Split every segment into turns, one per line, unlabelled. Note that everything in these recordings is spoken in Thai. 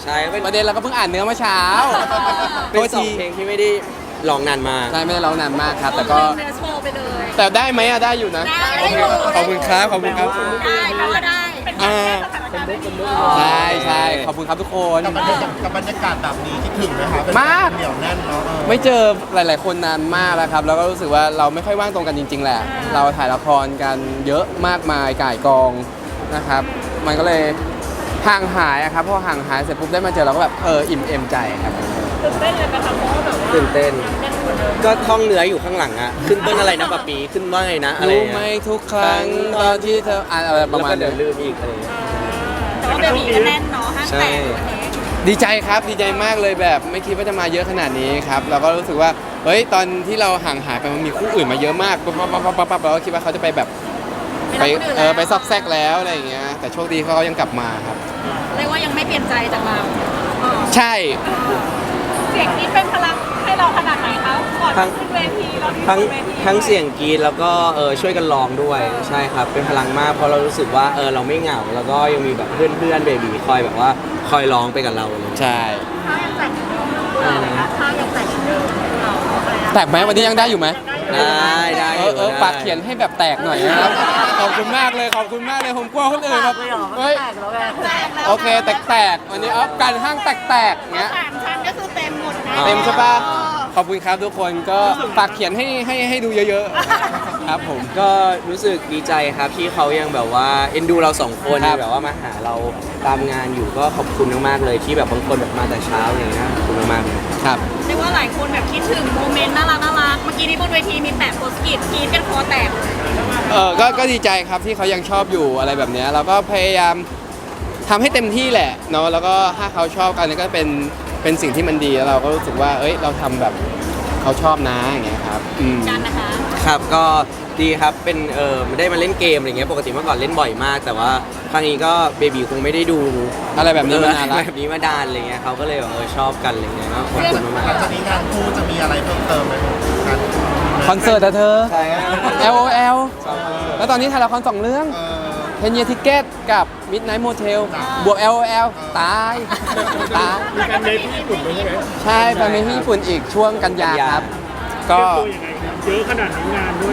ช่
ประเด็นเราก็เพิ่งอ่านเนื้อเมื่อเช้า
เป็นสองเพลงที่ไม่ได้ร้องนานมาก
ใช่ไม่ได้ร้องนานมากครับแต่ก็
เนื้อโชว์ไปเลย
แต่ได้ไหมอะได้อยู่นะ
ได้อยู่
ขอบคุณครับขอบคุณครับ
ได้เพราะว่าได้
อ่าใช่ใช่ขอบคุณครับทุกคน
กับบรรยากาศแบบนี้คิดถึงไหมคะ
มาก
เหนียวแน่นเนาะ
ไม่เจอหลาย ๆ คนนานมากแล้วครับแล้วก็รู้สึกว่าเราไม่ค่อยว่างตรงกันจริง ๆ แหละ เราถ่ายละครกันเยอะมากมายก่ายกองนะครับ มันก็เลยห่างหายอะครับพอห่างหายเสร็จปุ๊บได้มาเจอเราก็แบบอิ่มเอมใจครับ
ตื่นเต้นเลยนะคะเพราะว่าแบบว่า
ตื่นเต้น ก็ท่องเนื้ออยู่ข้างหลังอะขึ้นต้นอะไรนะปะปีขึ้นว่าไงนะอะไร
รู้
เงี้ย
ไหมทุกครั้งตอนที่เธออ่านอะไรประมาณ
แล้วก็เดี๋ยว
นี้
ลืมอีกอะไรเงี้ย
แต่ว่าเบบีก็แน่นเนาะห้างแตกวันนี้
ดีใจครับดีใจมากเลยแบบไม่คิดว่าจะมาเยอะขนาดนี้ครับเราก็รู้สึกว่าเฮ้ยตอนที่เราห่างหายไปมันมีคู่อื่นมาเยอะมากปั๊บเราก็คิดว่าเขาจะไปแบบไปซอกแซกแล้วอะไรอย่างเงี้ยแต่โชคดีเขายังกลับมาครับ
เรียกว่ายังไม่เปลี่ยนใจจากเรา
ใช่
เสียงนี้เป็นพลังให้เราขนาดไหนคะก่อนขึ้นเวทีเราที่
ทั้ง
เวที
ทั้งเสียงกรีดแล้วก็ช่วยกันร้องด้วยใช่ครับเป็นพลังมากเพราะเรารู้สึกว่าเราไม่เหงาแล้วก็ยังมีแบบเพื่อนเบบีคอยแบบว่าคอยร้องไปกับเราเลย
ใช่
ถ้ายังแต่งเรานะคะถ้ายังแต่งเราอะไรนะ
แตกไหมวันนี้ยังได้อยู่ไหม
ได้
ปากเขียนให้แบบแตกหน่อยนะครับขอบคุณมากเลยขอบคุณมากเลยผมกลัวคนอื่นแบบเฮ้ย
แต่งแล้ว
โอเคแตกวันนี้การห้างแตกเงี้ย
สามชั้นก็คือเต็มหมดนะ
เต็มใช่ปะขอบคุณครับทุกคนก็ฝากเขียนให้ดูเยอะๆครับผม
ก็รู้สึกดีใจครับที่เขายังแบบว่าเอ็นดูเราสองคน
ครับ
แบบว่ามาหาเราตามงานอยู่ก็ขอบคุณมากๆเลยที่แบบบางคนแบบมาแต่เช้าอย่างเงี้ยขอบคุณมากๆเลย
ครับ
เรียกว่าหลายคนแบบคิดถึงโมเมนต์น่ารักเมื่อกี้นี้บนเวทีมีแปะโพสต์กิจกรีดกันคอแตก
ก็ดีใจครับที่เขายังชอบอยู่อะไรแบบเนี้ยเราก็พยายามทำให้เต็มที่แหละเนาะแล้วก็ถ้าเขาชอบกันก็เป็นสิ่งที่มันดีแล้วเราก็รู้สึกว่าเอ้ยเราทำแบบเขาชอบนะอย่างเงี้ยครับ
กันนะคะ
ครับก็ดีครับเป็นได้มาเล่นเกมอะไรเงี้ยปกติเมื่อก่อนเล่นบ่อยมาก แต่ว่าครั้งนี้ก็เบบีคงไม่ได้ดู
อะไรแบบนี้มานานแล้ว
แบบนี้มาดานอะไรเงี้ยเขาก็เลยแบบชอบกันอะไรเงี้ยก็ขอบคุณมาก
หลังจากนี้งานคู่จะมีอะไรเพิ่มเติมไหมครับ
คอนเสิร์ตอะเธอ
ๆใช่ครับ
LOL แล้วตอนนี้ถ่ายละคร2 เรื่อง
เออ
เพนเยทิเก็ตกับ Midnight Motel บวก LOL ตายตาย
มีการเดทที่ญี่ปุ่นด้วยใช่ไหม
ใช่ไปมีที่ญี่ปุ่นอีกช่วงกันยาครับ ก็
ตัวยังไงครับเยอะขนาดทั้งงานด้วย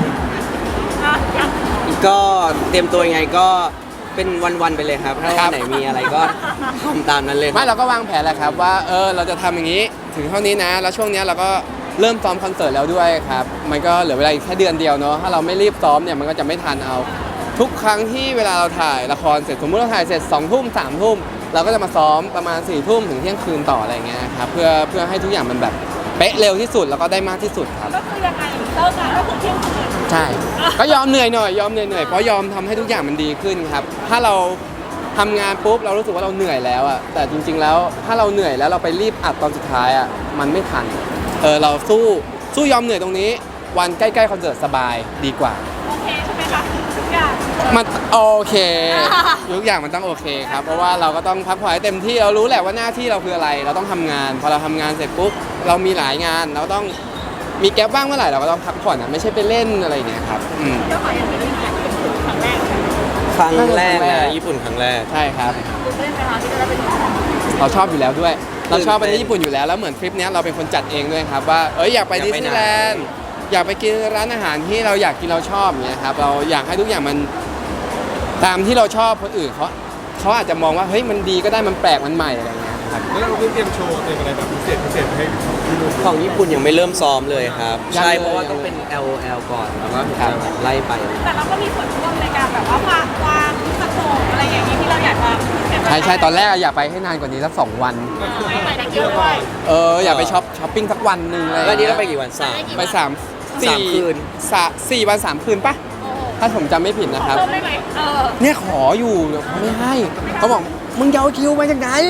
ก็เตรียมตัวยังไงก็เป็นวันๆไปเลยครับ ถ้าวันไหนมีอะไรก็ทำตามนั้นเลย
ไม่เราก็วางแผนแหละครับว่าเราจะทำอย่างนี้ถึงเท่านี้นะ แล้วช่วงนี้เราก็เริ่มซ้อมคอนเสิร์ตแล้วด้วยครับ มันก็เหลือเวลาอีกแค่เดือนเดียวเนาะถ้าเราไม่รีบซ้อมเนี่ยมันก็จะไม่ทันเอา ทุกครั้งที่เวลาเราถ่ายละครเสร็จสมมติเราถ่ายเสร็จ2 ทุ่ม3 ทุ่มเราก็จะมาซ้อมประมาณ4 ทุ่มถึงเที่ยงคืนต่ออะไรเงี้ยครับเพื่อให้ทุกอย่างมันแบบเป๊ะเร็วที่สุดแล้วก็ได้มากที่สุดครับ
ก็คือยังไงเลิกงานก็คือเที่ยงคืน
ใช่ ก็ยอมเหนื่อยหน่อยยอมเหนื่อยเพราะยอมทำให้ทุกอย่างมันดีขึ้นครับ ถ้าเราทำงานปุ๊บเรารู้สึกว่าเราเหนื่อยแล้วอะแต่จริงๆแล้วถ้าเราเหนื่อยแล้วเราไปรีบอัดตอนสุดท้ายอะมันไม่ทันเราสู้ยอมเหนื่อยตรงนี้วันใกล้ๆคอนเสิร์ตสบายดีกว่า
โอเคใช่ไหมคะทุกอย่าง
มันโอเคทุกอย่างมันต้องโอเคครับเพราะว่าเราก็ต้องพักผ่อนให้เต็มที่เรารู้แหละว่าหน้าที่เราคืออะไรเราต้องทำงานพอเราทำงานเสร็จปุ๊บเรามีหลายงานเราต้องมีแก๊ปว่างเมื่อไหร่เราก็ต้องพักผ่อนอะไม่ใช่ไปเล่นอะไรอย่างเงี้ยครับ
ก็ขออย่างนี้ค่ะครั้งแรก
ครั้งแรกนะญี่ปุ่นครั้งแรก
ใช่ครับ
ตื่นเต้นไหมคะที่จะได้ไปดู
เราชอบอยู่แล้วด้วย เราชอบไป
ตื่นเต้น
ที่ญี่ปุ่นอยู่แล้วแล้วเหมือนทริปเนี้ยเราเป็นคนจัดเองด้วยครับว่าอยากไป
อยาก
ดิส
ไป
นีย์
ไหน
แลนด์อยากไปกินร้านอาหารที่เราอยากกินเราชอบเนี้ยครับเราอยากให้ทุกอย่างมันตามที่เราชอบคนอื่นเขาอาจจะมองว่าเฮ้ยมันดีก็ได้มันแปลกมันใหม่อะไรเงี้ยครับ
แล้วเราเตรียมโชว์เตรียมอะไรแบบพิเศษให้ที่นู่น
ของญี่ปุ่นยังไม่เริ่มซ้อมเลยครับ
ยัง
ใช่
เลย
เพราะว่าต้องเป็น LOL ก่อนแล้วก็ถึงจะแบบไล่ไป
แต่เราก็มีส่วนร่วมในการแบบว่าวางสโคปอะไรอย่างนี้ที่เราอยากจะ
ใช่ตอนแรกอยากไปให้นานกว่านี้สัก2 วัน
ไปได้เยอะด้วย
อยากไปช้อปปิ้งสักวันหนึ่งอะไร
แล้วนี่
เงี้
เราไป
ย
กี่วันสาม
ไป3
สามคืน
4 วัน 3 คืนปะถ้าผมจำไม่ผิดนะครับ
เพิ่มได้ไหม
เนี่ยขออยู่เขาไม่ให้เขาบอกมึงจะเอาคิวมาจากไหน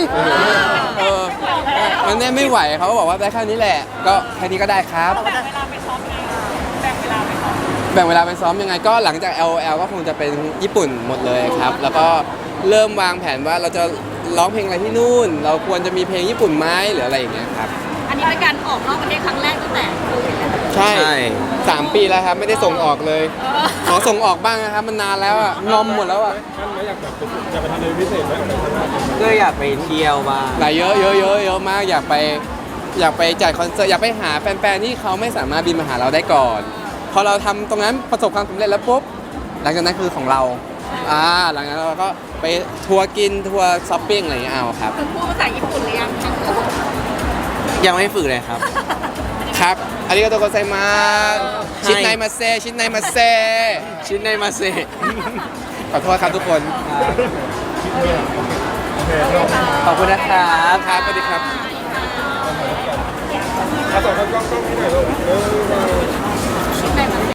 มันเนี่ยไม่ไหวเขาก็บอกว่าได้แค่นี้แหละ ก็แค่นี้ก็ได้ครับ
แบ่งเวลาไปซ้อมไงแบ่งเวลาไปซ้อม
แบ่งเวลาไปซ้อมยังไงก็หลังจาก LOL ก็คงจะเป็นญี่ปุ่นหมดเลยครับ แล้วก็เริ่มวางแผนว่าเราจะร้องเพลงอะไรที่นู่น เราควรจะมีเพลงญี่ปุ่นไหมหรืออะไรอย่างเงี้ยครับ
อันนี้เป็นการออกนอกประเทศครั้งแรกตั้งแต่โควิดแล้ว
ใช่
ใช่
3 ปีแล้วครับไม่ได้ส่งออกเลย ขอส่งออกบ้างนะครับมันนานแล้วอ่ะงอมหมดแล้วอ่ะ
ท่านไม่อยากแบบอยากไปทำอะไรพิเศษไหมอะไรข้างหน้า
ก็อยากไปเที่ยวบ้าง
หลายเยอะมากอยากไปจัดคอนเสิร์ตอยากไปหาแฟนๆที่เขาไม่สามารถบินมาหาเราได้ก่อน พอเราทำตรงนั้นประสบความสำเร็จแล้วปุ๊บหลังจากนั้นคือของเราหลังจากนั้นเราก็ไปทัวร์กินทัวร์ช้อปปิ้งอะไรอย่างเงี้ยเอาครับ
คุณพูดภาษาญี่ปุ่นหรือยังทั้งคู่
ยังไม่ฝึกเลยครับ
ครับอาริกาโตโกไซมาส
ให้
ชิดในมาเซชิดในมาเซ
ชิ้นในมาเซ
ขอโทษครับทุกคน
ขอบคุณนะครับ
ครับสวัสดีครับ
ถ้าสองคนกล้องๆนี่หน่อยลูก
ได้ไหม